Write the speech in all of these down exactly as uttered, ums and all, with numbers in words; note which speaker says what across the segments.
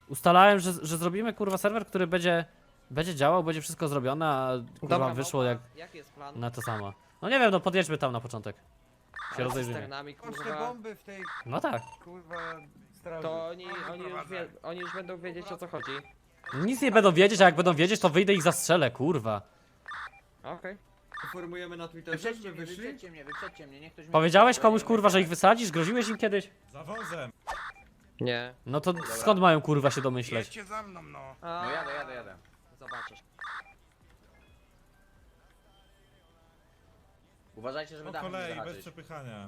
Speaker 1: ustalałem, że, że zrobimy kurwa serwer, który będzie, będzie działał, będzie wszystko zrobione, a kurwa
Speaker 2: Dobra,
Speaker 1: wyszło
Speaker 2: małpa,
Speaker 1: jak
Speaker 2: Jaki jest plan?
Speaker 1: na to samo. No nie wiem, no podjedźmy tam na początek. Się
Speaker 2: Ale z
Speaker 1: rozejrzymy.
Speaker 2: cysternami,
Speaker 3: Masz te
Speaker 2: kurwa.
Speaker 3: bomby w tej,
Speaker 1: No tak.
Speaker 3: kurwa, straży.
Speaker 2: To oni, oni, już wie, oni już będą wiedzieć, o co chodzi.
Speaker 1: Nic nie będą wiedzieć, a jak będą wiedzieć, to wyjdę i ich zastrzelę, kurwa.
Speaker 2: Okej.
Speaker 3: Informujemy na Twitterze,
Speaker 4: Wyprzedźcie
Speaker 3: że
Speaker 4: mnie,
Speaker 3: wyszli?
Speaker 4: wyprzedźcie mnie, wyprzedźcie mnie, niech ktoś mnie
Speaker 1: Powiedziałeś
Speaker 4: wyprzedzi,
Speaker 1: komuś
Speaker 4: bo
Speaker 1: kurwa,
Speaker 4: ja
Speaker 1: że
Speaker 4: nie
Speaker 1: ich wysadzisz? Groziłeś im kiedyś?
Speaker 5: Za wozem.
Speaker 2: Nie.
Speaker 1: No to skąd mają kurwa się domyśleć?
Speaker 5: Jedźcie za mną, no.
Speaker 2: A,
Speaker 4: No jadę, jadę, jadę.
Speaker 2: Zobaczysz.
Speaker 4: Uważajcie, żeby
Speaker 5: Po
Speaker 4: dach nie
Speaker 5: kolei, bez
Speaker 4: zahaczyć.
Speaker 5: przepychania.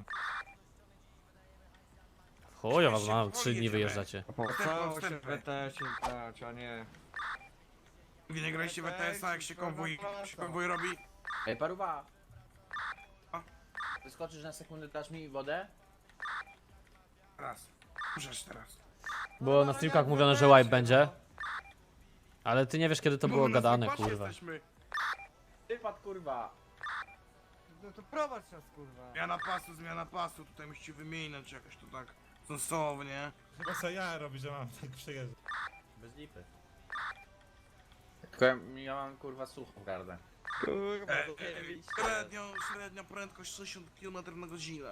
Speaker 1: Chujo was mam, trzy dni wyjeżdżacie.
Speaker 3: Opłacało się w E T S-ie grać, a nie...
Speaker 5: Wy nie graliście w E T S-a, jak się konwój, się konwój robi?
Speaker 4: Ej, paruwa!
Speaker 5: A?
Speaker 4: Wyskoczysz na sekundę, dasz mi wodę?
Speaker 5: Raz. Możesz teraz.
Speaker 1: Było na streamkach mówione, że wipe będzie. Ale ty nie wiesz kiedy to było
Speaker 5: My na
Speaker 1: gadane,
Speaker 5: zapasie
Speaker 1: kurwa.
Speaker 5: jesteśmy.
Speaker 4: Wypad, kurwa!
Speaker 3: No to prowadź nas, kurwa.
Speaker 5: Zmiana pasu, zmiana pasu. Tutaj musicie wymienić jakoś to tak sensownie. Chyba co ja robię, że mam tak przejeżdżać.
Speaker 4: Bez lipy. Tylko ja, ja mam, kurwa, suchą gardę.
Speaker 2: Kurwa,
Speaker 5: E,
Speaker 2: to
Speaker 5: e,
Speaker 2: zajebiście.
Speaker 5: średnio, średnia prędkość sześćdziesiąt kilometrów na godzinę.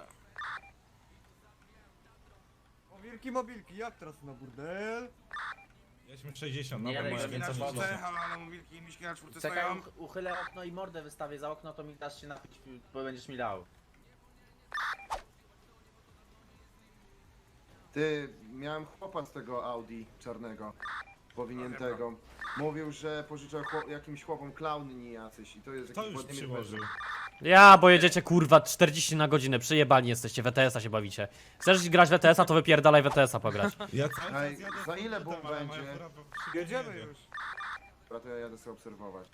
Speaker 3: O, wielki mobilki, jak teraz na burdel?
Speaker 5: Jedźmy sześćdziesiąt,
Speaker 4: Nie,
Speaker 5: no bo
Speaker 4: ale
Speaker 5: moje
Speaker 4: jest
Speaker 5: więcej
Speaker 4: na
Speaker 5: niż
Speaker 4: czwórce.
Speaker 5: ale mobilki miśki na czwórce
Speaker 4: Czekaj,
Speaker 5: stoją.
Speaker 4: uch uchylę okno i mordę wystawię za okno, to mi dasz się napić, bo będziesz mi dał.
Speaker 6: Ty, miałem chłopa z tego Audi czarnego, powiniętego. Mówił, że pożyczał chłop, jakimś chłopom klauny jacyś i to jest
Speaker 5: To
Speaker 6: jakiś
Speaker 5: już
Speaker 6: Władimir
Speaker 5: przyłożył.
Speaker 6: Perzy.
Speaker 1: Ja, bo jedziecie kurwa czterdzieści na godzinę, przyjebani jesteście, w E T S-a się bawicie. Chcesz grać w E T S-a, to wypierdalaj w E T S-a pograć.
Speaker 5: Ja cały czas
Speaker 6: Ej,
Speaker 5: jadę
Speaker 6: za
Speaker 5: z
Speaker 6: ile
Speaker 5: butem,
Speaker 6: bomb
Speaker 5: ale
Speaker 6: będzie?
Speaker 5: moja fura po- szybko
Speaker 3: Jedziemy
Speaker 5: jedzie.
Speaker 3: już.
Speaker 6: Dobra, to ja jadę sobie obserwować.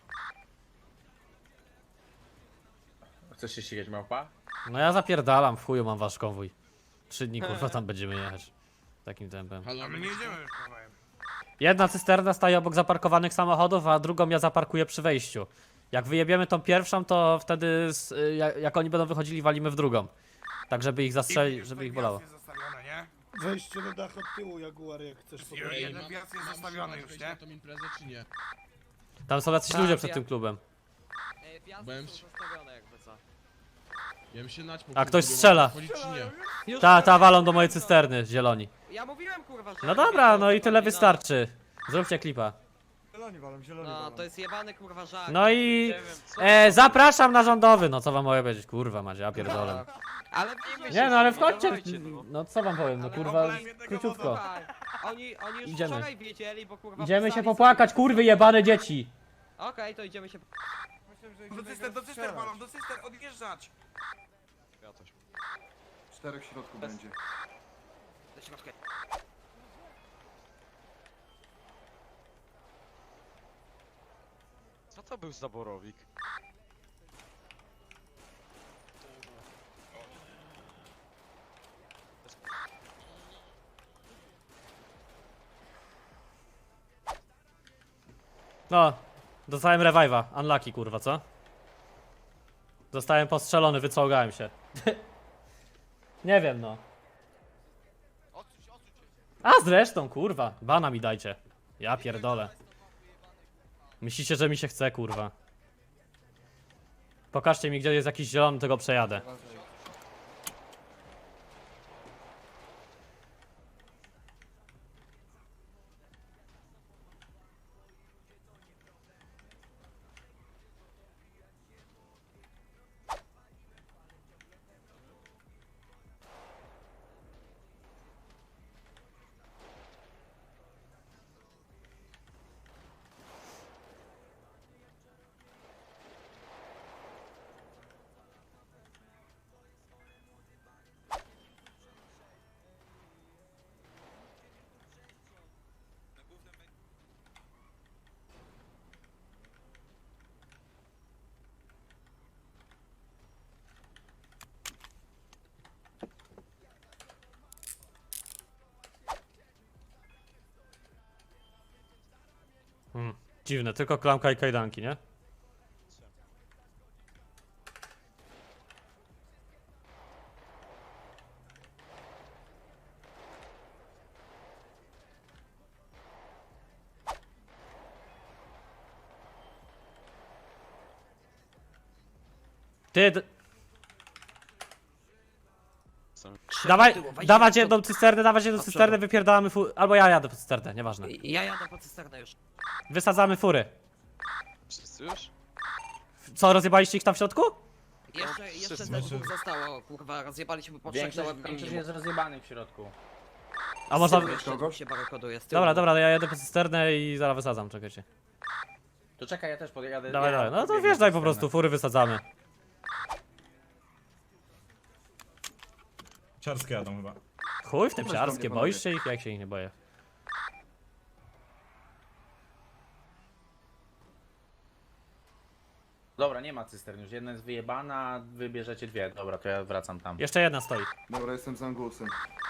Speaker 4: Chcesz się ścigać, małpa?
Speaker 1: No ja zapierdalam, w chuju mam wasz konwój. Trzy dni kurwa tam będziemy jechać. Takim tempem.
Speaker 5: A my nie jedziemy już kawałem.
Speaker 1: Jedna cysterna staje obok zaparkowanych samochodów, a drugą ja zaparkuję przy wejściu. Jak wyjebiemy tą pierwszą, to wtedy z, y, jak, jak oni będą wychodzili, walimy w drugą. Tak żeby ich zastrzelić, żeby ich bolało.
Speaker 5: Jest zostawione, nie?
Speaker 7: Wejście do dachu od tyłu, Jaguar, jak chcesz
Speaker 5: Jeden
Speaker 7: pogadać.
Speaker 5: jeden wjazd jest zostawiony już, nie?
Speaker 8: na tą imprezę czy nie?
Speaker 1: Tam są jacyś
Speaker 2: Tak,
Speaker 1: ludzie przed
Speaker 2: ja-
Speaker 1: tym klubem.
Speaker 2: Ej, wjazdy
Speaker 8: Byłem
Speaker 2: są
Speaker 8: w-
Speaker 2: zostawione jakby co.
Speaker 8: Ja bym się naćpał.
Speaker 1: A ktoś
Speaker 8: kurwa,
Speaker 1: strzela.
Speaker 8: wchodzić czy nie?
Speaker 2: Już
Speaker 1: Ta, ta
Speaker 2: mówiłem,
Speaker 1: walą do mojej
Speaker 2: no.
Speaker 1: cysterny, zieloni.
Speaker 2: Ja mówiłem kurwa, że...
Speaker 1: No dobra, no i tyle
Speaker 2: no.
Speaker 1: wystarczy. Zróbcie klipa.
Speaker 3: Zieloni walą, zieloni
Speaker 2: No,
Speaker 3: walą.
Speaker 2: to jest jebany kurwa żart.
Speaker 1: No i
Speaker 2: Nie wiem, co-
Speaker 1: e, zapraszam na rządowy, no co wam mogę powiedzieć, kurwa macie, ja pierdolę.
Speaker 2: Ale wiemy
Speaker 1: Nie
Speaker 2: się,
Speaker 1: no ale
Speaker 2: że
Speaker 1: wchodźcie,
Speaker 2: dawajcie, no.
Speaker 1: no co wam powiem, no
Speaker 5: Ale
Speaker 1: kurwa,
Speaker 5: oblejmy tego
Speaker 1: króciutko.
Speaker 2: Słuchaj, Oni, oni już
Speaker 1: Idziemy.
Speaker 2: wczoraj wiedzieli, bo kurwa...
Speaker 1: Idziemy się
Speaker 2: pisali
Speaker 1: popłakać,
Speaker 2: sobie-
Speaker 1: kurwy jebane dzieci.
Speaker 2: Okej, to idziemy się...
Speaker 3: Myślałem, że
Speaker 5: Do
Speaker 3: idziemy
Speaker 5: cyster,
Speaker 3: go
Speaker 5: do cyster
Speaker 3: strzelać.
Speaker 5: balon, do cyster, odjeżdżać!
Speaker 6: Czterech w środku będzie.
Speaker 2: Do środka.
Speaker 9: Co to był za borowik?
Speaker 1: No, dostałem revive'a, unlucky kurwa, co? Zostałem postrzelony, wyczołgałem się. Nie wiem no. A zresztą kurwa, bana mi dajcie. Ja pierdolę. Myślicie, że mi się chce kurwa. Pokażcie mi gdzie jest jakiś zielony, tego przejadę. Hmm. Dziwne, tylko klamka i kajdanki, nie? Ty, d-
Speaker 2: Trzy
Speaker 1: dawaj,
Speaker 2: do tyłu, wejdźcie
Speaker 1: dawać
Speaker 2: do
Speaker 1: jedną cysternę, dawać jedną
Speaker 2: Do
Speaker 1: cysternę,
Speaker 2: przodu.
Speaker 1: wypierdalamy fu... Albo ja jadę po cysternę, nieważne.
Speaker 2: przodu. Ja jadę po cysternę już.
Speaker 1: Wysadzamy fury.
Speaker 8: Wszyscy już?
Speaker 1: Co, rozjebaliście ich tam w środku?
Speaker 2: Jeszcze, jeszcze
Speaker 8: wszyscy.
Speaker 2: te dwóch zostało, kurwa, rozjebaliśmy po trzech
Speaker 4: Większość,
Speaker 2: dołek.
Speaker 4: większość jest rozjebanych w środku.
Speaker 1: A można...
Speaker 2: Jeszcze
Speaker 6: Kogoś?
Speaker 2: dwóch się barykoduje z tyłu.
Speaker 1: Dobra, dobra, ja jadę po cysternę i zaraz wysadzam, czekajcie.
Speaker 4: To czekaj, ja też podjadę.
Speaker 1: Dawaj,
Speaker 4: ja
Speaker 1: dawaj, no to
Speaker 4: pobiegnę
Speaker 1: wjeżdżaj po
Speaker 4: cysternę.
Speaker 1: prostu, fury wysadzamy.
Speaker 5: Ciarskie jadą chyba.
Speaker 1: Chuj w tym
Speaker 6: Chodź do
Speaker 1: ciarskie,
Speaker 6: mnie,
Speaker 1: boisz się ich? Jak się ich nie boję?
Speaker 4: Dobra, nie ma cystern już. Jedna jest wyjebana, wy bierzecie dwie. Dobra, to ja wracam tam.
Speaker 1: Jeszcze jedna stoi.
Speaker 6: Dobra, jestem z Angusem.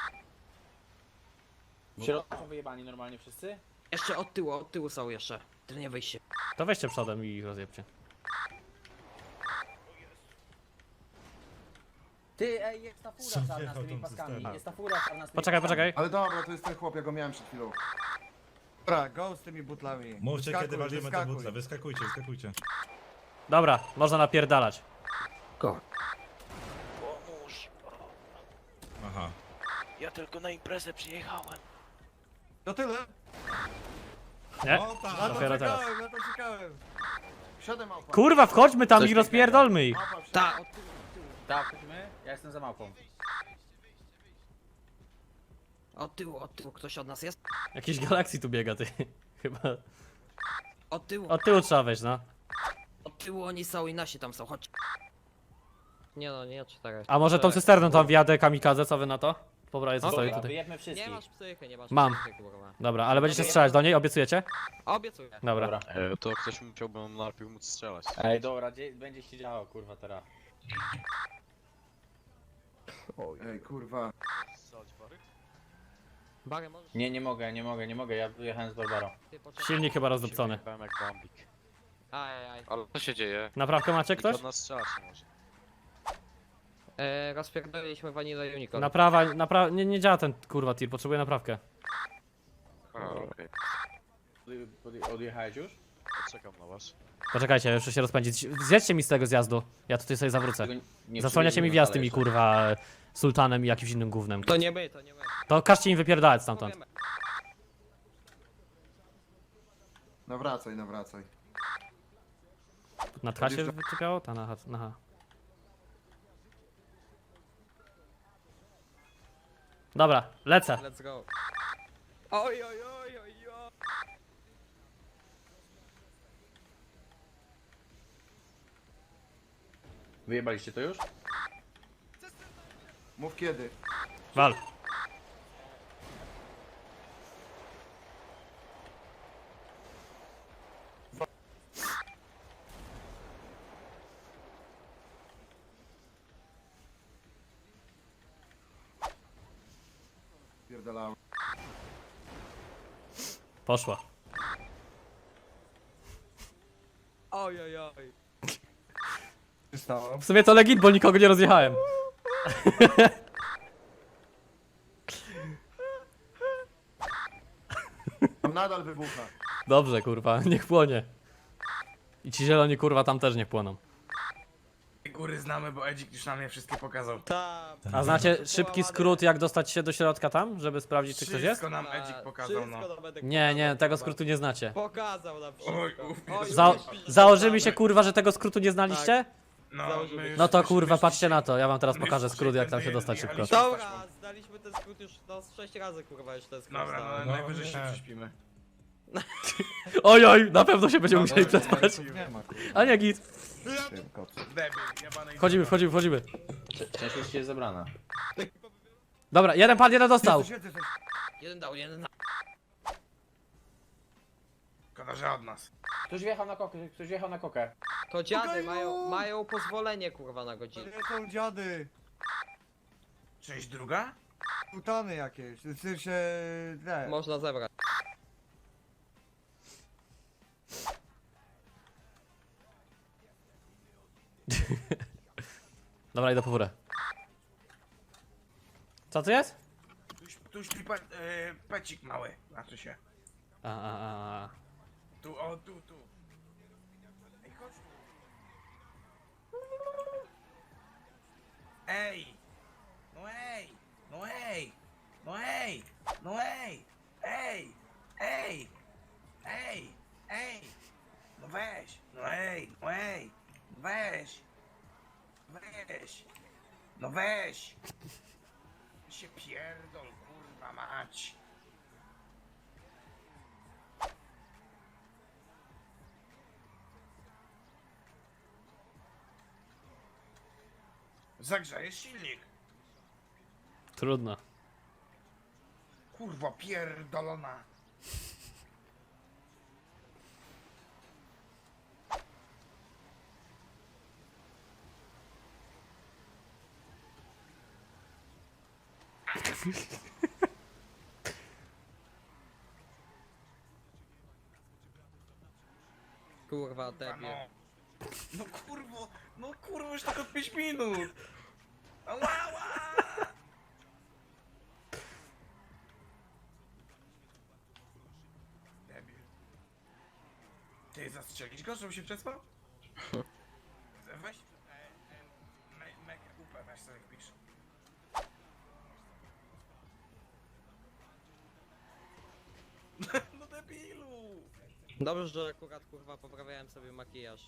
Speaker 4: W środku są wyjebani normalnie wszyscy?
Speaker 2: Jeszcze od tyłu, od tyłu są jeszcze. Ty nie wyjście.
Speaker 1: To weźcie przodem i ich rozjebcie.
Speaker 4: Ty, ej, jest ta fura
Speaker 5: Co
Speaker 4: czarna z
Speaker 5: wjechał
Speaker 4: tymi
Speaker 5: tą
Speaker 4: paskami.
Speaker 5: cysternę?
Speaker 4: Jest ta fura czarna z tymi
Speaker 1: Poczekaj,
Speaker 4: paskami.
Speaker 1: poczekaj.
Speaker 6: Ale dobra, to jest ten chłop, ja go miałem przed chwilą.
Speaker 3: Dobra, go z tymi butlami.
Speaker 5: Mówcie
Speaker 3: Wyskakuj,
Speaker 5: kiedy walimy te
Speaker 3: wyskakuj.
Speaker 5: butle, wyskakujcie, wyskakujcie.
Speaker 1: Dobra, można napierdalać.
Speaker 2: Go.
Speaker 9: Pomóż.
Speaker 5: Aha.
Speaker 9: Ja tylko na imprezę przyjechałem.
Speaker 3: To tyle?
Speaker 1: Nie?
Speaker 5: O
Speaker 3: Na
Speaker 5: tak!
Speaker 3: to
Speaker 1: Dopiero teraz.
Speaker 3: czekałem, na to czekałem.
Speaker 6: Siadaj małpa.
Speaker 1: Kurwa, wchodźmy tam
Speaker 4: Coś
Speaker 1: i rozpierdolmy ich.
Speaker 6: Małpa, wsiadaj.
Speaker 2: Ta, od tyłu, od tyłu.
Speaker 4: Tak, chodźmy. Ja jestem za małpą.
Speaker 2: Od tyłu, od tyłu. Ktoś od nas jest?
Speaker 1: Jakiś galaksji tu biega, ty. Chyba.
Speaker 2: Od tyłu.
Speaker 1: Od tyłu trzeba wejść, no.
Speaker 2: Od tyłu oni są i nasi tam są, chodź. Nie no, nie czterech.
Speaker 1: A może tą cysterną tam wjadę kamikadze, co wy na to? Pobraję co stoi
Speaker 4: Dobra,
Speaker 1: tutaj.
Speaker 4: wyjedźmy
Speaker 2: Nie
Speaker 4: wszystkich.
Speaker 2: masz psychy, nie masz
Speaker 1: Mam.
Speaker 2: psychy, kurwa.
Speaker 1: Dobra, ale będziecie strzelać do niej, obiecujecie?
Speaker 2: Obiecuję.
Speaker 1: Dobra.
Speaker 4: Dobra.
Speaker 8: E, to ktoś musiałby najpierw móc strzelać.
Speaker 4: Ej, dobra, dzie- będzie się działo, kurwa, teraz.
Speaker 6: Ej, kurwa.
Speaker 2: Bary, możesz
Speaker 4: Nie, nie mogę, nie mogę, nie mogę. Ja wyjechałem z Barbarą.
Speaker 2: ty poczekać.
Speaker 1: Silnik chyba rozdupcony.
Speaker 8: Byłem jak bambik.
Speaker 2: Aj, aj.
Speaker 8: Ale co się dzieje?
Speaker 1: Naprawkę macie
Speaker 8: Nikt
Speaker 1: ktoś?
Speaker 8: od nas strzelać nie może.
Speaker 2: E, rozpierdoliliśmy Vanilla Unicorn.
Speaker 1: Naprawa, naprawa, nie, nie działa ten kurwa tir, potrzebuję naprawkę.
Speaker 8: A, okej.
Speaker 4: Podje- podje- Odjechałeś już?
Speaker 8: Czekam na was.
Speaker 1: Poczekajcie, jeszcze się rozpędzić. Zjedźcie mi z tego zjazdu. Ja tutaj sobie zawrócę.
Speaker 4: Tego nie
Speaker 1: Zasłaniacie mi
Speaker 4: przybiegłem
Speaker 1: wjazd
Speaker 4: dalej
Speaker 1: tymi
Speaker 4: jeszcze.
Speaker 1: kurwa sultanem i jakimś innym gównem.
Speaker 2: To nie my, to nie my.
Speaker 1: To każcie im wypierdalać stamtąd.
Speaker 2: Powiemy.
Speaker 6: Nawracaj, nawracaj.
Speaker 1: Na tcha się wyczepiało? Ta na, na H. Dobra, lecę.
Speaker 2: Let's go. Oj, oj, oj, oj, oj.
Speaker 4: Wyjebaliście to już?
Speaker 6: Mów kiedy.
Speaker 1: Wal.
Speaker 6: Pierdalałem.
Speaker 1: Poszła.
Speaker 2: Oj, oj, oj.
Speaker 3: Co się stało?
Speaker 1: W sumie to legit, bo nikogo nie rozjechałem.
Speaker 6: Tam nadal wybucha.
Speaker 1: Dobrze, kurwa, niech płonie. I ci zieloni, kurwa, tam też niech płoną.
Speaker 5: Góry znamy, bo Edzik już nam je wszystkie pokazał.
Speaker 2: Ta,
Speaker 1: A znacie szybki skrót, jak dostać się do środka tam, żeby sprawdzić, czy ktoś jest?
Speaker 5: Wszystko nam Edzik pokazał, no.
Speaker 2: Wszystko to będę
Speaker 1: Nie, nie,
Speaker 2: pokazał,
Speaker 1: tego
Speaker 2: kurwa.
Speaker 1: skrótu nie znacie.
Speaker 2: Pokazał nam wszystko.
Speaker 5: Oj, uf,
Speaker 2: Oj,
Speaker 1: Za
Speaker 2: oj,
Speaker 1: założymy się, kurwa, że tego skrótu nie znaliście?
Speaker 5: No,
Speaker 2: Założymy.
Speaker 5: my już,
Speaker 1: No to
Speaker 5: my-
Speaker 1: kurwa,
Speaker 5: my-
Speaker 1: patrzcie na to, ja wam teraz
Speaker 5: my
Speaker 1: pokażę
Speaker 5: już
Speaker 1: skrót, jak tam się
Speaker 5: jechaliśmy,
Speaker 1: dostać szybko.
Speaker 5: jechaliśmy.
Speaker 2: Dobra, zdaliśmy ten skrót już no z sześć razy, kurwa, już ten skrót
Speaker 5: Dobra,
Speaker 2: znałem.
Speaker 5: no,
Speaker 3: No,
Speaker 5: najwyżej się
Speaker 3: nie.
Speaker 5: prześpimy.
Speaker 1: Oj, oj, na pewno się będziemy musieli przespać.
Speaker 3: Nie ma kurwa.
Speaker 1: A nie, git.
Speaker 3: Tym kocu.
Speaker 5: Debil, jebany
Speaker 1: Wchodzimy, wchodzimy, wchodzimy.
Speaker 4: Część już jest zebrana.
Speaker 1: Dobra, jeden pan, jeden dostał.
Speaker 3: Jezus, Jezus, Jezus.
Speaker 2: Jeden dał, jeden dał.
Speaker 5: Szkoda, że od nas.
Speaker 4: Ktoś wjechał na kokę, ktoś wjechał na kokę.
Speaker 2: To dziady
Speaker 3: Ojeju.
Speaker 2: mają, mają pozwolenie, kurwa, na
Speaker 3: To
Speaker 2: godzinę.
Speaker 3: nie są dziady.
Speaker 5: Część druga?
Speaker 3: Sultany jakieś. W sensie... Nie.
Speaker 2: Można zebrać.
Speaker 1: Dobra, idę po furę. Co to jest?
Speaker 5: Tu, śp- tu śpi pe, e, pecik mały, znaczy się.
Speaker 1: A, a, a, a.
Speaker 5: Tu, o, tu, tu. Ej, chodź tu. Ej! No ej! No ej! No ej! No ej! Ej! Ej! Ej! Ej! No weź! No ej! No ej! Weź! Weź! No weź! Się pierdol, kurwa mać! Zagrzejesz silnik.
Speaker 1: Trudno.
Speaker 5: Kurwa pierdolona.
Speaker 2: Kurwa,
Speaker 5: A
Speaker 2: debil.
Speaker 5: no. No kurwo, no kurwo, już tylko pięć minut. Ała, ała. Debil. Ty zastrzelić go, żeby się przespał? Weź, e, e, me, me, upę, weź sobie wpisz. No debilu.
Speaker 2: Dobrze, że akurat kurwa poprawiałem sobie makijaż.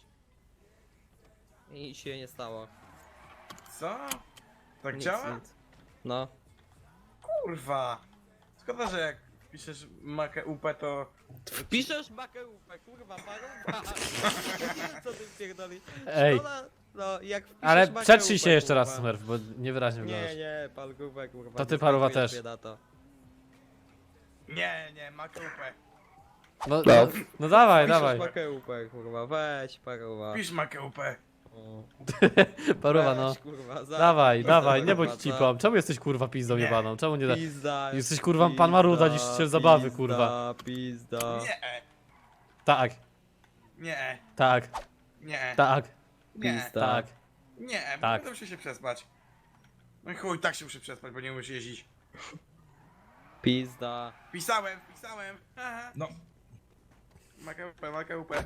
Speaker 2: I się nie stało.
Speaker 5: Co? Tak
Speaker 2: Nic,
Speaker 5: działa?
Speaker 2: nic. No.
Speaker 5: Kurwa. Szkoda, że jak piszesz makę upę, to...
Speaker 2: Piszesz makełupę, kurwa, paruwa. Co ty pierdoli?
Speaker 1: Ej.
Speaker 2: Szkoda, no jak wpiszesz
Speaker 1: Ale
Speaker 2: makełupę,
Speaker 1: przetrzyj się jeszcze raz,
Speaker 2: kurwa.
Speaker 1: Smurf, bo niewyraźnie
Speaker 2: Nie,
Speaker 1: wyglądasz.
Speaker 2: nie, palgówek, kurwa.
Speaker 1: To ty,
Speaker 2: nie
Speaker 1: paruwa,
Speaker 2: zgadzujesz
Speaker 1: też.
Speaker 2: się na to.
Speaker 5: Nie, nie, makę upę.
Speaker 1: No, no, no dawaj,
Speaker 2: Piszesz
Speaker 1: dawaj.
Speaker 2: makełupę, kurwa, weź, paruwa.
Speaker 5: Pisz makę upę.
Speaker 2: O.
Speaker 1: Paruwa, no.
Speaker 2: Weź, kurwa, za-
Speaker 1: Dawaj,
Speaker 2: za-
Speaker 1: dawaj,
Speaker 2: za-
Speaker 1: nie bądź
Speaker 2: za-
Speaker 1: cipą. Czemu jesteś kurwa pizdą
Speaker 5: Nie.
Speaker 1: jebaną? Czemu nie da...
Speaker 2: Pizda.
Speaker 1: Jesteś kurwa pan Maruda niż się zabawy, kurwa.
Speaker 2: Pizda, pizda.
Speaker 5: Nie,
Speaker 1: Tak,
Speaker 5: nie,
Speaker 1: tak,
Speaker 5: nie,
Speaker 1: tak,
Speaker 5: nie,
Speaker 2: Pizda.
Speaker 1: tak.
Speaker 5: nie, bo
Speaker 1: Tak.
Speaker 5: będę musiał się przespać. No i chuj, tak się muszę przespać, bo nie umiesz jeździć.
Speaker 2: Pizda.
Speaker 5: Pisałem, pisałem. Aha. No. Makę upę, makę upę.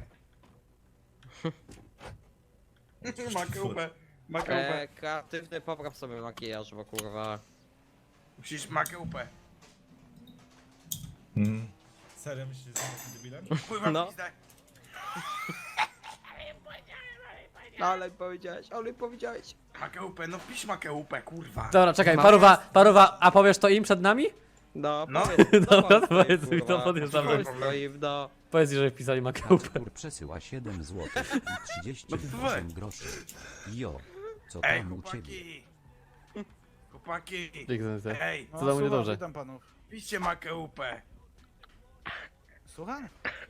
Speaker 5: Makę upę, makę upę.
Speaker 2: E, kreatywny popraw sobie makijaż, bo kurwa.
Speaker 5: Musisz makę upę. Mm.
Speaker 7: Serio myślisz, że jestem debilem?
Speaker 5: Pływam
Speaker 2: No.
Speaker 5: w pizdę.
Speaker 2: Ale powiedziałeś, ale powiedziałeś.
Speaker 5: Makę upę, no pisz makę upę, kurwa.
Speaker 1: Dobra, czekaj,
Speaker 2: Ma-
Speaker 1: paruwa, paruwa, a powiesz to im przed nami?
Speaker 2: No,
Speaker 5: No.
Speaker 2: powiedz,
Speaker 1: Dobra,
Speaker 2: no,
Speaker 1: to powiedz mi, to
Speaker 2: kurwa.
Speaker 1: podjeżdżam.
Speaker 2: Powiedz to im, no.
Speaker 1: Powiedz, że wpisali makałupę.
Speaker 10: Artur przesyła siedem złotych i trzydzieści osiem groszy. Jo, co
Speaker 5: Ej,
Speaker 10: tam u ciebie?
Speaker 5: chłopaki. Chłopaki.
Speaker 1: Piękne.
Speaker 5: Ej,
Speaker 1: Co tam u mnie dobrze?
Speaker 7: Witam panów.
Speaker 5: piszcie makę upę.
Speaker 7: Słucham?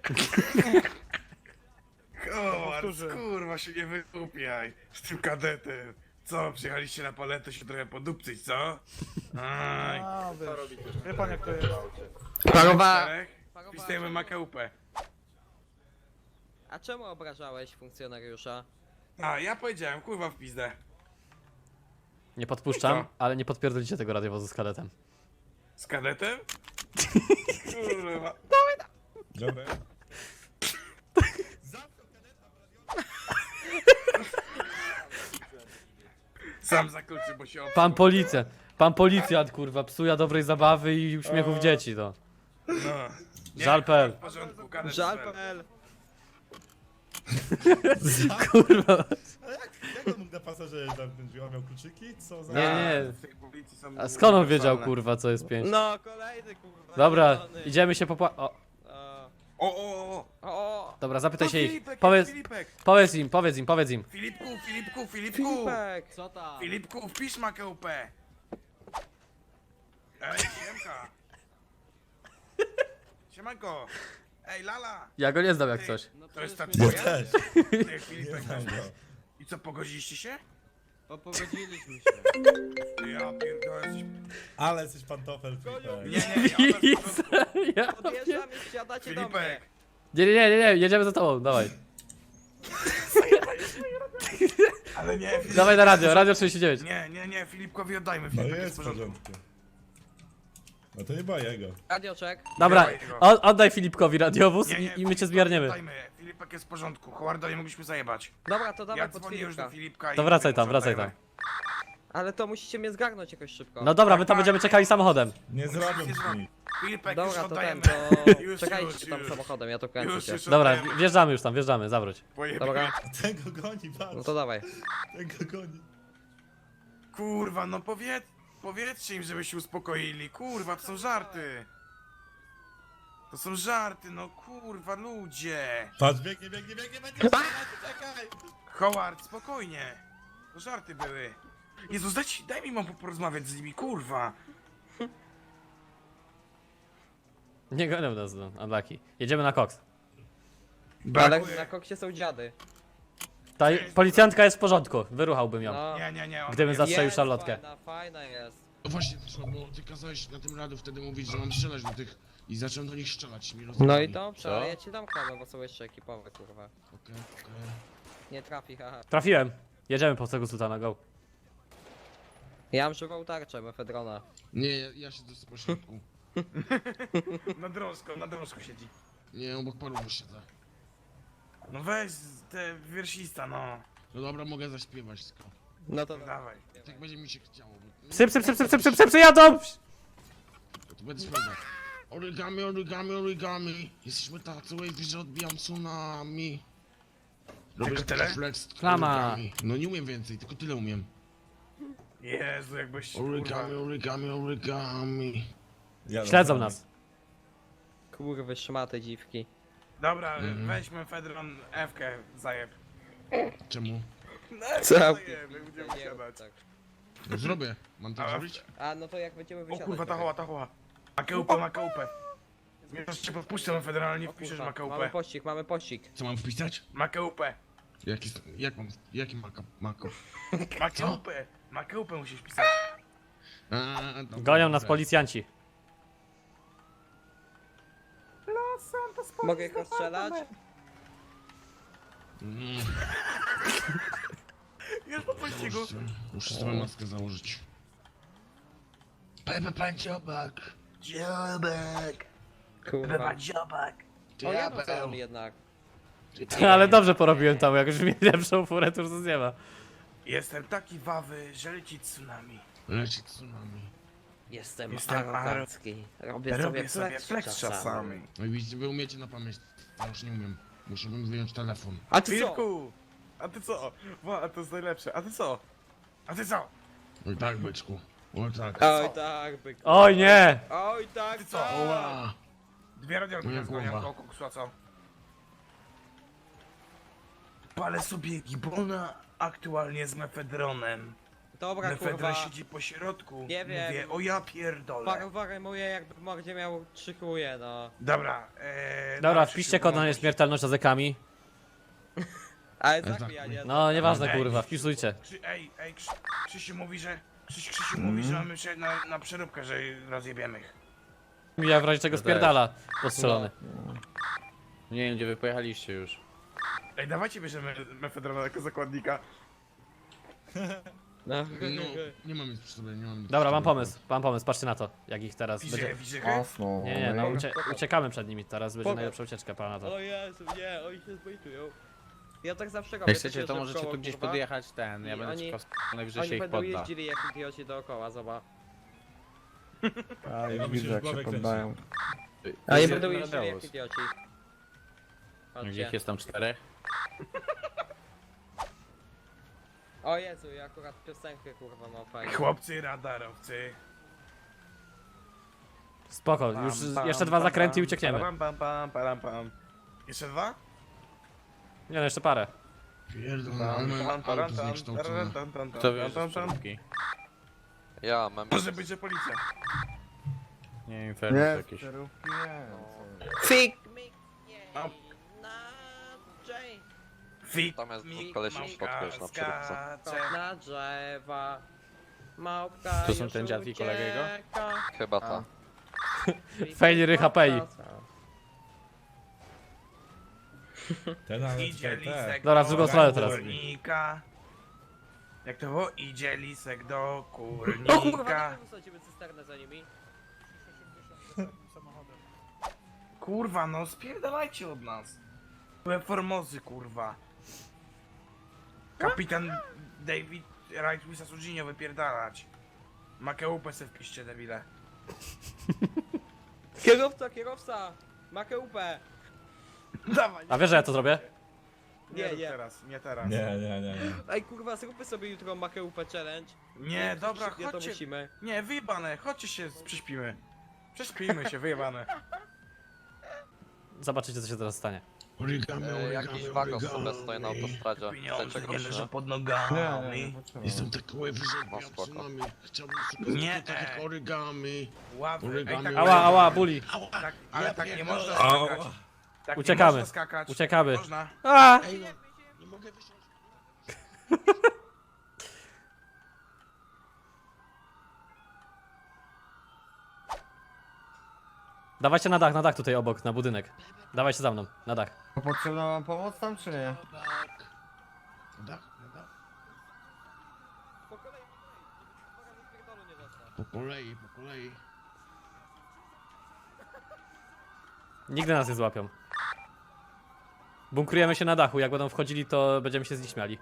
Speaker 5: Kowar,
Speaker 7: Powtórzę.
Speaker 5: kurwa się nie wykupiaj z tym kadetem. Co, przyjechaliście na paletę się trochę podupcyć, co? Aj.
Speaker 7: A, wiesz. Wie pan jak to jest.
Speaker 2: Parowa.
Speaker 5: Czterech? Wpisujemy makę upę.
Speaker 2: A czemu obrażałeś funkcjonariusza?
Speaker 5: A, ja powiedziałem, kurwa w pizdę.
Speaker 1: Nie podpuszczam,
Speaker 5: Co?
Speaker 1: ale nie podpierdolicie tego radiowozu z kadetem.
Speaker 5: Z kadetem? Kurwa.
Speaker 7: Dobra.
Speaker 5: Sam zakluczy, bo się
Speaker 1: Pan policjant, pan policjant, kurwa, psuje dobrej zabawy i uśmiechów dzieci, to.
Speaker 5: No. Nie,
Speaker 1: Żal.pl.
Speaker 5: W porządku, kadet
Speaker 2: Żal.pl.
Speaker 1: Kurwa.
Speaker 7: Ale jak, jak on mógł na pasażerze zamknąć drzwi? On miał kluczyki? Co za...
Speaker 1: Nie, nie.
Speaker 5: W tej policji są
Speaker 1: A skąd on wiedział,
Speaker 5: uniwersalne.
Speaker 1: kurwa, co jest pięć?
Speaker 2: No, kolejny kurwa.
Speaker 1: Dobra,
Speaker 2: zielony.
Speaker 1: idziemy się popła... O,
Speaker 2: O,
Speaker 5: O, o, o.
Speaker 2: o,
Speaker 1: dobra, zapytaj
Speaker 5: To
Speaker 1: się ich.
Speaker 5: Filipek,
Speaker 1: Powiedz,
Speaker 5: Filipek.
Speaker 1: powiedz im, powiedz im, powiedz im.
Speaker 5: Filipku, Filipku, Filipku.
Speaker 2: Filipek.
Speaker 1: Co tam?
Speaker 5: Filipku, wpisz makę upę. Ej, siemka. Siemanko. Ej, Lala.
Speaker 1: Ja go nie znam jak coś.
Speaker 5: To jest ta
Speaker 7: Ja
Speaker 5: twoja?
Speaker 7: też.
Speaker 5: Ty, Filipek.
Speaker 7: znam go.
Speaker 5: I co, pogodziliście się?
Speaker 2: Popogodziliśmy się.
Speaker 5: Ja pierdolę. jesteś-
Speaker 7: Ale jesteś pantofel, Filipek.
Speaker 5: Nie, nie, ja bez porządku.
Speaker 1: Ja...
Speaker 2: Podjeżdżam i wsiadacie do mnie.
Speaker 5: Filipek.
Speaker 1: Nie, nie, nie, nie, jedziemy za tobą, dawaj.
Speaker 5: Ale nie, Filip...
Speaker 1: Dawaj na radio, radio trzydzieści dziewięć.
Speaker 5: Nie, nie, nie, Filipkowi oddajmy.
Speaker 7: No
Speaker 5: Filipek
Speaker 7: jest w porządku. No to nie boję go.
Speaker 2: Radioczek.
Speaker 1: Dobra,
Speaker 5: Dawaj go.
Speaker 1: od, oddaj Filipkowi radiowóz
Speaker 5: Nie, nie,
Speaker 1: i, i my cię
Speaker 5: Filipkowi
Speaker 1: zbierniemy.
Speaker 5: Oddajmy. Filipek jest w porządku. Howarda nie mogliśmy zajebać.
Speaker 2: Dobra, to dawaj
Speaker 5: Ja
Speaker 2: pod
Speaker 5: dzwonię już do
Speaker 2: Filipka.
Speaker 5: Filipka i...
Speaker 1: To wracaj tam,
Speaker 5: mu
Speaker 1: wracaj tam.
Speaker 5: oddajemy.
Speaker 2: Ale to musicie mnie zgarnąć jakoś szybko.
Speaker 1: No dobra, my
Speaker 5: Tak,
Speaker 1: tam
Speaker 5: tak.
Speaker 1: będziemy czekali samochodem.
Speaker 7: Nie zrobią
Speaker 5: Nie
Speaker 7: ci.
Speaker 5: zrobią. Filipek, już
Speaker 2: Dobra, to ten,
Speaker 5: oddajemy.
Speaker 2: to
Speaker 5: Już,
Speaker 2: czekajcie
Speaker 5: już,
Speaker 2: tam
Speaker 5: już.
Speaker 2: samochodem, ja to kręcę
Speaker 5: Już,
Speaker 2: się.
Speaker 5: już
Speaker 1: Dobra,
Speaker 5: oddajemy.
Speaker 1: wjeżdżamy już tam, wjeżdżamy, zawróć.
Speaker 5: Pojebie.
Speaker 2: Dobra,
Speaker 7: Ten go goni, patrz.
Speaker 2: no to dawaj.
Speaker 7: Ten go goni.
Speaker 5: Kurwa, no powiedz, powiedzcie im, żeby się uspokoili. Kurwa, to są żarty. To są żarty, no kurwa, ludzie.
Speaker 7: Patrz, biegnie, biegnie, biegnie, będzie strzelać, czekaj.
Speaker 5: Howard, spokojnie. To żarty były. Jezus, daj, ci- daj mi mam porozmawiać z nimi, kurwa.
Speaker 1: Nie gonią nas, no, unlucky. Jedziemy na koks.
Speaker 2: Ale
Speaker 5: Brakuje.
Speaker 2: na koksie są dziady.
Speaker 1: Ta policjantka jest w porządku, wyruchałbym ją.
Speaker 2: No.
Speaker 5: Nie, nie, nie. ona
Speaker 1: Gdybym
Speaker 5: jest-
Speaker 1: zastrzelił
Speaker 2: Jest
Speaker 1: szarlotkę.
Speaker 2: Fajna, fajna jest.
Speaker 11: No właśnie, co, bo ty kazałeś na tym radiu wtedy mówić, że mam strzelać do tych i zacząłem do nich strzelać. Mi
Speaker 2: No
Speaker 11: rozjebali.
Speaker 2: i dobrze, ale ja ci dam klamę, bo są jeszcze ekipowe, kurwa.
Speaker 11: Okej, okej.
Speaker 2: Nie trafi, haha.
Speaker 1: Trafiłem. Jedziemy po tego sultana, go.
Speaker 2: Ja mam żywą tarczę, mefedrona.
Speaker 11: Nie, ja, ja siedzę z pośrodku.
Speaker 5: Na drążku, na drążku siedzi.
Speaker 11: Nie, obok paru siedzę.
Speaker 5: No weź te wiersista, no.
Speaker 11: No dobra, mogę zaśpiewać tylko.
Speaker 2: No to
Speaker 5: Dawaj.
Speaker 11: Tak będzie mi się chciało. bo-
Speaker 1: Psy, psy, psy, psy, psy, psy, psy, psy jadą!
Speaker 11: To będę sprawdzał. Origami, origami, origami. Jesteśmy tacy wavy, że odbijam tsunami. Robię
Speaker 5: Tylko tyle?
Speaker 11: flex.
Speaker 1: Klama.
Speaker 11: origami. No nie umiem więcej, tylko tyle umiem.
Speaker 5: Jezu, jakbyś...
Speaker 11: Origami, origami, origami.
Speaker 7: Jadą
Speaker 1: Śledzą
Speaker 7: za nami.
Speaker 1: nas.
Speaker 2: kurwy szmaty dziwki.
Speaker 5: Dobra,
Speaker 11: Mhm.
Speaker 5: weźmy Fedron F-kę, zajeb.
Speaker 11: Czemu?
Speaker 5: No,
Speaker 2: Co?
Speaker 5: zajeb, jak będziemy
Speaker 2: Nie,
Speaker 5: siadać.
Speaker 2: tak.
Speaker 11: No zrobię. Mam tak
Speaker 5: A,
Speaker 11: zrobić?
Speaker 2: A no to jak będziemy
Speaker 5: O
Speaker 2: wysiadać.
Speaker 5: kurwa, ta
Speaker 2: to
Speaker 5: hoła, ta hoła. Makeupę, makeupę. Zmierzasz cię podpuszczę na federalnie,
Speaker 2: O
Speaker 5: wpiszesz
Speaker 2: kurwa, mamy
Speaker 5: makeupę.
Speaker 2: pościg, mamy pościg.
Speaker 11: Co mam wpisać?
Speaker 5: Makeupę.
Speaker 11: Jaki, jak mam, jaki maka, mako?
Speaker 5: Makeupę. Makeupę musisz pisać.
Speaker 11: A, dobra,
Speaker 1: Gonią nas
Speaker 11: dobra.
Speaker 1: policjanci.
Speaker 2: Mogę ich rozstrzelać?
Speaker 11: Mm,
Speaker 5: Już po pościgu.
Speaker 11: muszę, muszę sobie maskę założyć. Pepe pan dziobak.
Speaker 5: Dziobek.
Speaker 2: Kurwa.
Speaker 5: dziobak.
Speaker 2: O, ja doceniam jednak.
Speaker 1: Ale dobrze porobiłem tam, jak już mieli lepszą furę, to już nic nie ma.
Speaker 5: Jestem taki wawy, że leci tsunami.
Speaker 11: Leci tsunami.
Speaker 2: Jestem,
Speaker 5: Jestem
Speaker 2: arogancki. Robię,
Speaker 5: Robię
Speaker 2: sobie
Speaker 5: sobie flex czasami.
Speaker 11: No i widzicie, wy umiecie na pamięć. Ja już nie umiem. Muszę bym wyjąć telefon.
Speaker 2: A ty co?
Speaker 5: Filipku! A ty co? Wa, a to jest najlepsze. A ty co? A ty co?
Speaker 11: Oj tak, byczku. Oj tak.
Speaker 2: Oj tak, byk.
Speaker 1: Oj nie!
Speaker 2: Oj tak,
Speaker 5: Ty co?
Speaker 2: tak.
Speaker 11: Oła!
Speaker 5: Dwie radiolki
Speaker 11: Moja
Speaker 5: nas gonią
Speaker 11: głowa.
Speaker 5: koło koksu, a co? Palę sobie gibona aktualnie z mefedronem.
Speaker 2: Dobra,
Speaker 5: Mefedron
Speaker 2: kurwa.
Speaker 5: siedzi po środku.
Speaker 2: Nie wiem.
Speaker 5: Mówię, o ja pierdolę.
Speaker 2: Parowary moje jakby w mordzie miał trzy chuje, no.
Speaker 5: Dobra, ee,
Speaker 1: Dobra,
Speaker 5: dalszy
Speaker 1: wpiszcie
Speaker 5: się
Speaker 1: kod na
Speaker 5: pomogę.
Speaker 1: nieśmiertelność z ekami.
Speaker 2: Ale
Speaker 11: tak,
Speaker 2: zabijanie.
Speaker 1: No, nieważne
Speaker 5: Ej.
Speaker 1: kurwa, wpisujcie.
Speaker 5: Krzy, ej, ej, Krzy, Krzysiu mówi, że... Krzyś, Krzysiu mówi, że mamy się na, na przeróbkę, że rozjebiemy ich.
Speaker 1: Ja w razie czego spierdala postrzelony.
Speaker 4: Nie wiem, gdzie wy pojechaliście już.
Speaker 5: Ej, dawajcie bierzemy mefedrona jako zakładnika.
Speaker 2: No.
Speaker 11: No, nie mam nic przy sobie, nie mam nic
Speaker 1: Dobra,
Speaker 11: przy
Speaker 1: mam
Speaker 11: sobie.
Speaker 1: pomysł, mam pomysł, patrzcie na to, jak ich teraz
Speaker 5: Widzę,
Speaker 1: będzie...
Speaker 5: widzę.
Speaker 1: Nie, nie, no ucie uciekamy przed nimi, teraz będzie
Speaker 2: Pokaż.
Speaker 1: najlepsza ucieczka, pana to.
Speaker 2: O Jezu, nie, oni się zbejtują. Ja tak zawsze robię.
Speaker 4: Jak chcecie,
Speaker 2: przecież
Speaker 4: to
Speaker 2: że
Speaker 4: możecie
Speaker 2: koło,
Speaker 4: tu gdzieś
Speaker 2: kurwa.
Speaker 4: podjechać ten, ja
Speaker 2: I
Speaker 4: będę
Speaker 2: oni-
Speaker 4: czekał, najwyżej
Speaker 2: Oni
Speaker 4: się ich
Speaker 2: będą
Speaker 4: podda.
Speaker 2: jeździli jak idioci dookoła, zobacz.
Speaker 7: Ja widzę, jak się poddają.
Speaker 2: A nie
Speaker 4: Jest
Speaker 2: będą
Speaker 4: jeden
Speaker 2: jeździli jak
Speaker 4: Radeusz.
Speaker 2: idioci.
Speaker 4: Gdzie ich
Speaker 2: Patrzcie.
Speaker 4: jest tam czterech?
Speaker 2: O Jezu, ja akurat piosenkę kurwa mam fajną.
Speaker 5: Chłopcy radarowcy.
Speaker 1: Spoko, już jeszcze dwa zakręty i uciekniemy.
Speaker 5: Pam, pam, pam, pam, pam. Jeszcze dwa?
Speaker 1: Nie no, jeszcze parę.
Speaker 11: Pierdolę, ale mam auto zniekształcone.
Speaker 4: Kto wie, że przeróbki?
Speaker 8: Ja mam...
Speaker 5: Może być, że policja.
Speaker 4: Nie wiem, fermy
Speaker 3: Nie,
Speaker 4: jakieś.
Speaker 3: sterówki nie.
Speaker 2: Fik!
Speaker 5: A.
Speaker 2: Na J.
Speaker 5: Fik,
Speaker 8: Tam jest
Speaker 5: mik,
Speaker 8: koleś
Speaker 5: małka,
Speaker 8: spotkałeś na przeróbce.
Speaker 5: skacze.
Speaker 2: Na drzewa. Małpka
Speaker 4: To są
Speaker 2: już
Speaker 4: ten dziad i kolega jego?
Speaker 2: ucieka.
Speaker 8: Chyba ta.
Speaker 1: Fejli rycha pei.
Speaker 7: Ten ale
Speaker 5: Idzie
Speaker 7: czekaj, te.
Speaker 5: lisek
Speaker 1: Dobra, w
Speaker 5: do
Speaker 1: drugą stronę teraz.
Speaker 5: kurnika. Jak to było? Idzie lisek do
Speaker 2: O kurwa,
Speaker 5: kurnika.
Speaker 2: nie wysadzimy cysternę za nimi.
Speaker 5: Kurwa, no spierdalajcie od nas. Były Formozy, kurwa. Kapitan David Right Wisa Sujinio wypierdalać. Makeupę se wpiszcie, debile.
Speaker 2: Kierowca, kierowca! Makeupę!
Speaker 5: Dawaj.
Speaker 1: A wiesz, że ja to zrobię?
Speaker 5: Nie,
Speaker 2: Nie,
Speaker 5: rób
Speaker 2: nie.
Speaker 5: teraz, nie teraz.
Speaker 7: Nie, nie, nie, nie.
Speaker 2: Ej kurwa, zróbmy sobie jutro Makeupę challenge.
Speaker 5: Nie, dobra,
Speaker 2: Nie, to
Speaker 5: chodźcie.
Speaker 2: musimy.
Speaker 5: Nie, wyjebane, chodźcie się, prześpimy. Prześpijmy się, wyjebane.
Speaker 1: Zobaczycie, co się teraz stanie.
Speaker 11: Origami,
Speaker 8: E,
Speaker 11: origami,
Speaker 8: jakiś wagon sobie
Speaker 11: origami.
Speaker 8: stoi na autostradzie.
Speaker 5: Pieniądze
Speaker 8: Chcecie
Speaker 5: nie
Speaker 8: go,
Speaker 5: leżą
Speaker 8: czy
Speaker 5: pod nogami.
Speaker 11: Jestem taki łeb, że odbijam
Speaker 8: spoko.
Speaker 11: tsunami. Chciałbym sobie
Speaker 5: Nie.
Speaker 11: nie. tak jak origami.
Speaker 5: Ławy, ej,
Speaker 11: Origami,
Speaker 5: tak,
Speaker 1: Ała, ała, buli.
Speaker 5: tak, ale tak nie można
Speaker 7: Ała.
Speaker 5: skakać. Tak nie
Speaker 1: Uciekamy.
Speaker 5: można skakać.
Speaker 1: Uciekamy.
Speaker 5: Można.
Speaker 1: A!
Speaker 11: Ej no, nie mogę wysiąść.
Speaker 1: Dawajcie na dach, na dach tutaj obok, na budynek. Dawajcie za mną, na dach.
Speaker 3: To potrzebna wam pomoc tam, czy nie?
Speaker 11: Tak. Na dach, na dach.
Speaker 2: Po kolei, po kolei, żeby ci uwaga, wypierdolu nie dostał.
Speaker 11: Po kolei, po kolei.
Speaker 1: Nigdy nas nie złapią. Bunkrujemy się na dachu, jak będą wchodzili, to będziemy się z nich śmiali.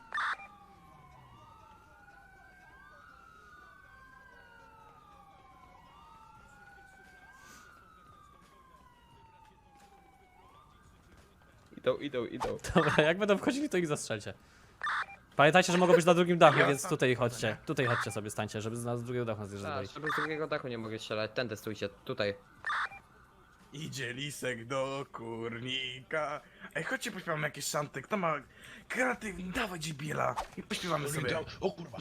Speaker 2: Idą, idą, idą.
Speaker 1: Dobra, jak będą wchodzili, to ich zastrzelcie. Pamiętajcie, że mogą być na drugim dachu,
Speaker 5: Ja
Speaker 1: więc
Speaker 5: sam-
Speaker 1: tutaj chodźcie. Tutaj chodźcie sobie, stańcie, żeby z nas z drugiego dachu nas nie
Speaker 2: Tak,
Speaker 1: zjeżdżali.
Speaker 2: żeby z drugiego dachu nie mogę strzelać. Tędy stójcie, tutaj.
Speaker 5: Idzie lisek do kurnika. Ej, chodźcie pośpiewamy jakieś szanty. Kto ma kreatywny, dawaj dzibiela. I pośpiewamy sobie.
Speaker 11: Origami. O kurwa.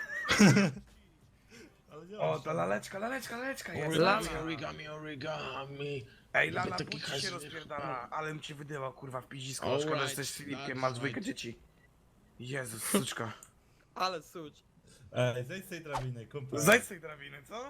Speaker 7: Ale nie
Speaker 5: O,
Speaker 7: masz.
Speaker 5: to laleczka, laleczka, laleczka jest.
Speaker 11: Origami,
Speaker 5: Lala.
Speaker 11: origami, origami.
Speaker 5: Ej, Lala,
Speaker 11: Taki
Speaker 5: budź się
Speaker 11: hajs-
Speaker 5: rozpierdala, ale mi cię wydywał, kurwa, w piździsko.
Speaker 11: Alright,
Speaker 5: Szkoda, że jesteś z Filipkiem,
Speaker 11: that's
Speaker 5: masz dwójkę
Speaker 11: right.
Speaker 5: dzieci. Jezus, suczka.
Speaker 2: Ale suć.
Speaker 7: Ej, zejdź z tej drabiny, kumpel.
Speaker 5: Zajdź z tej drabiny, co?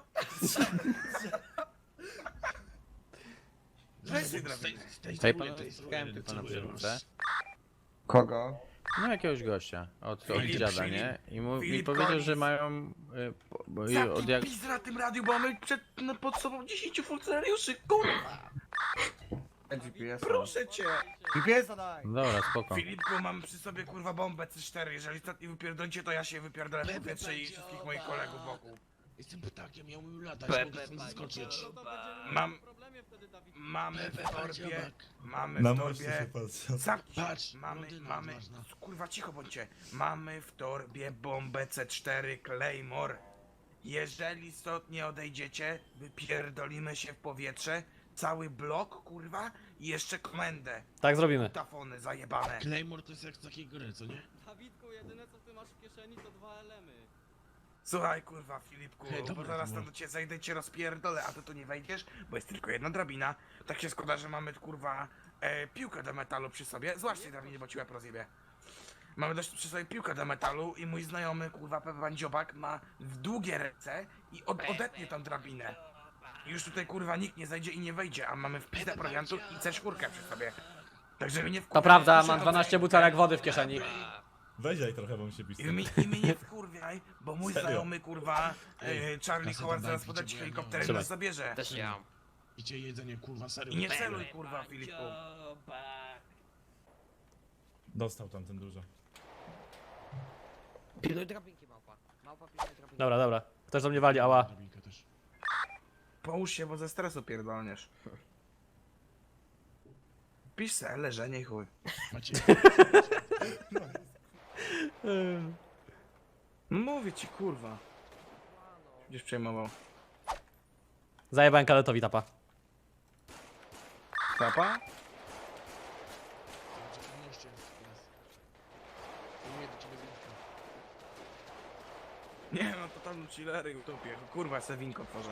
Speaker 5: Zejdź z tej drabiny.
Speaker 4: Hej, panowie, spotkałem tu pana przywódcę.
Speaker 3: Kogo?
Speaker 4: No jakiegoś gościa od, od
Speaker 5: Filip,
Speaker 4: dziada,
Speaker 5: Filip.
Speaker 4: nie? I mu, mi
Speaker 5: Filip
Speaker 4: powiedział,
Speaker 5: Collins.
Speaker 4: że mają... Y, po, bo, i od
Speaker 5: Zamknij
Speaker 4: jak...
Speaker 5: pizd na tym radiu, bo mamy przed, no, pod sobą dziesięciu funkcjonariuszy, kurwa!
Speaker 3: G P S.
Speaker 5: Proszę cię!
Speaker 3: G P S daj!
Speaker 4: Dobra, spoko.
Speaker 5: Filipku, mam przy sobie kurwa bombę C cztery, jeżeli ostatni wypierdolcie, to ja się wypierdolę w powietrze i wszystkich moich kolegów wokół.
Speaker 11: Jestem ptakiem, ja umiem latać,
Speaker 8: Pepe,
Speaker 11: mogę stąd zaskoczyć.
Speaker 5: Mam... Mamy w
Speaker 11: Pepe,
Speaker 5: torbie...
Speaker 11: dziobak.
Speaker 5: Mamy
Speaker 7: Na
Speaker 5: w
Speaker 7: moście się
Speaker 5: torbie...
Speaker 7: patrzę.
Speaker 5: Zamknij się.
Speaker 11: Patrz,
Speaker 5: Mamy,
Speaker 11: blondyna
Speaker 5: mamy...
Speaker 11: odważna.
Speaker 5: Kurwa, cicho bądźcie. Mamy w torbie bombę C cztery Claymore. Jeżeli stąd nie odejdziecie, wypierdolimy się w powietrze, cały blok, kurwa, i jeszcze komendę.
Speaker 1: Tak zrobimy.
Speaker 5: Tafony zajebane.
Speaker 11: Claymore to jest jak z takiej gry, co nie?
Speaker 2: Dawidku, jedyne co ty masz w kieszeni to dwa elemy.
Speaker 5: Słuchaj, kurwa, Filipku,
Speaker 11: Hej,
Speaker 5: bo
Speaker 11: dobra,
Speaker 5: zaraz
Speaker 11: dobra.
Speaker 5: tam do ciebie zejdę i cię rozpierdolę, a ty tu nie wejdziesz, bo jest tylko jedna drabina. Tak się składa, że mamy, kurwa, e, piłkę do metalu przy sobie. Złaś tej drabinie, bo ci łeb rozjebie. Mamy dość przy sobie piłkę do metalu i mój znajomy, kurwa, Pepe Pan Dziobak ma w długie ręce i od, odetnie tą drabinę. I już tutaj, kurwa, nikt nie zajdzie i nie wejdzie, a mamy w pizdę prowiantów i C cztery przy sobie. Także mnie
Speaker 1: To
Speaker 5: wkurwia,
Speaker 1: prawda,
Speaker 5: muszę
Speaker 1: mam
Speaker 5: to
Speaker 1: dwanaście
Speaker 5: wejść.
Speaker 1: butelek wody w kieszeni.
Speaker 7: Weź daj trochę, bo mi się pisze.
Speaker 5: I mi, I mnie nie wkurwiaj, bo mój
Speaker 7: Serio?
Speaker 5: znajomy, kurwa,
Speaker 11: Ej,
Speaker 5: e, Charlie
Speaker 11: kasę
Speaker 5: Howard
Speaker 11: dodaj,
Speaker 5: zaraz
Speaker 11: picie,
Speaker 5: podać
Speaker 11: bo ja
Speaker 5: helikopterem i
Speaker 1: Trzymaj.
Speaker 5: nas zabierze.
Speaker 2: Też ja.
Speaker 11: Picie jedzenie, kurwa, serio.
Speaker 5: I nie celuj, kurwa, Filipku.
Speaker 7: Dostał tamten dużo.
Speaker 2: Pilnuj drabinki, małpa. Małpa, pilnuj drabinki.
Speaker 1: Dobra, dobra. Ktoś do mnie wali, ała.
Speaker 11: Drabinkę też.
Speaker 5: Połóż się, bo ze stresu pierdolniesz. Pisz se, leżenie i chuj.
Speaker 11: Macie,
Speaker 5: Mówię ci, kurwa. Gdzieś przejmował.
Speaker 1: Zajebałem kadetowi tapa.
Speaker 5: Papa?
Speaker 11: ciekawością jest teraz. Nie do ciebie winka.
Speaker 5: Nie no, to tam chillery utopię. Kurwa, se winko tworzę.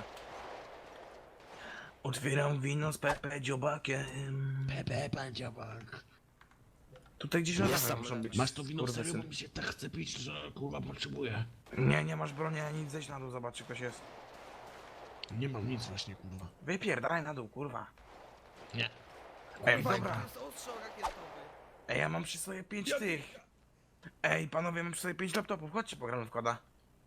Speaker 5: Otwieram wino z Pepe Dziobakiem.
Speaker 11: Pepe, pan dziobak.
Speaker 5: Tutaj gdzieś na dachach muszą być.
Speaker 11: Masz to wino
Speaker 5: kurwy
Speaker 11: serio,
Speaker 5: syn.
Speaker 11: bo mi się tak chce pić, że kurwa potrzebuję.
Speaker 5: Nie, nie masz broni ani nic, zejdź na dół, zobacz czy ktoś jest.
Speaker 11: Nie mam nic właśnie, kurwa.
Speaker 5: Wypierdalaj na dół, kurwa.
Speaker 11: Nie.
Speaker 5: Ej, dobra.
Speaker 2: To jest ostrzał rakietowy.
Speaker 5: Ej, ja mam przy sobie pięć tych. Ej, panowie, mam przy sobie pięć laptopów, chodźcie pogramy w koda.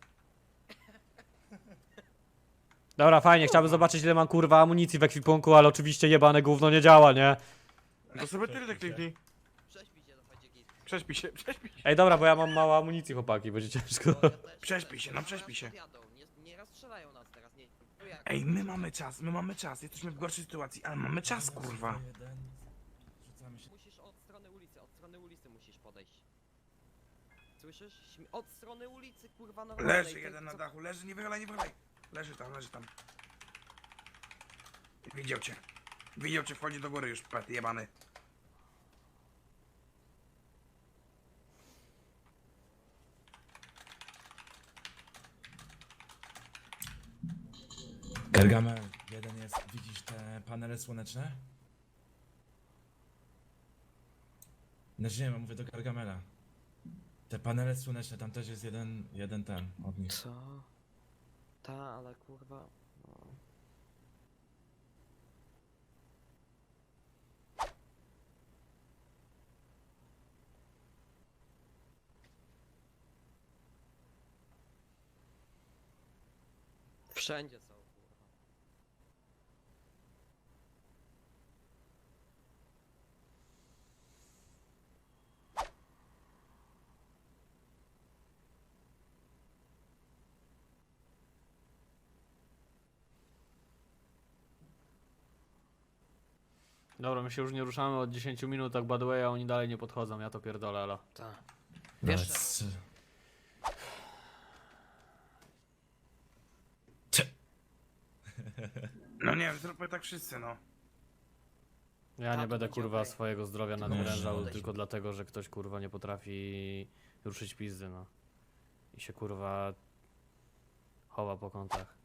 Speaker 1: Dobra, fajnie, chciałbym zobaczyć, ile mam kurwa amunicji w ekwipunku, ale oczywiście jebane gówno nie działa, nie?
Speaker 5: To sobie tyle kliknij.
Speaker 2: Prześpij się, to będzie git.
Speaker 5: Prześpij się, prześpij się.
Speaker 1: Ej, dobra, bo ja mam mało amunicji, chłopaki, będzie ciężko.
Speaker 2: No, ja też-
Speaker 5: Prześpij się, no prześpij się.
Speaker 2: Jadą, nie, nie rozstrzelają nas teraz, nie. No jak?
Speaker 5: Ej, my mamy czas, my mamy czas. Jesteśmy w gorszej sytuacji, ale mamy czas, kurwa.
Speaker 2: Musisz od strony ulicy, od strony ulicy musisz podejść. Słyszysz? Śmi- Od strony ulicy, kurwa, normalnej.
Speaker 5: Leży
Speaker 2: to-
Speaker 5: jeden na
Speaker 2: co-
Speaker 5: dachu, leży, nie wychylaj, nie wychylaj. Leży tam, leży tam. Widział cię. Widział cię, wchodzi do góry już, pet jebany.
Speaker 11: Gargamel, jeden jest, widzisz te panele słoneczne? Znaczy nie wiem, mówię do Gargamela. Te panele słoneczne, tam też jest jeden, jeden ten od nich.
Speaker 2: Co? Ta, ale kurwa. No. Wszędzie są, kurwa.
Speaker 1: Dobra, my się już nie ruszamy od dziesięciu minut, tak by the way, a oni dalej nie podchodzą, ja to pierdolę, elo.
Speaker 2: Tak.
Speaker 11: Wiesz,
Speaker 2: Wiesz,
Speaker 5: No nie wiem, zróbmy tak wszyscy, no.
Speaker 1: Ja
Speaker 2: Tak,
Speaker 1: nie
Speaker 2: to
Speaker 1: będę
Speaker 2: będzie
Speaker 1: kurwa
Speaker 2: okej.
Speaker 1: swojego zdrowia
Speaker 11: No,
Speaker 1: nadwyrężał
Speaker 2: może.
Speaker 1: tylko dlatego, że ktoś kurwa nie potrafi ruszyć pizdy, no. I się kurwa chowa po kątach.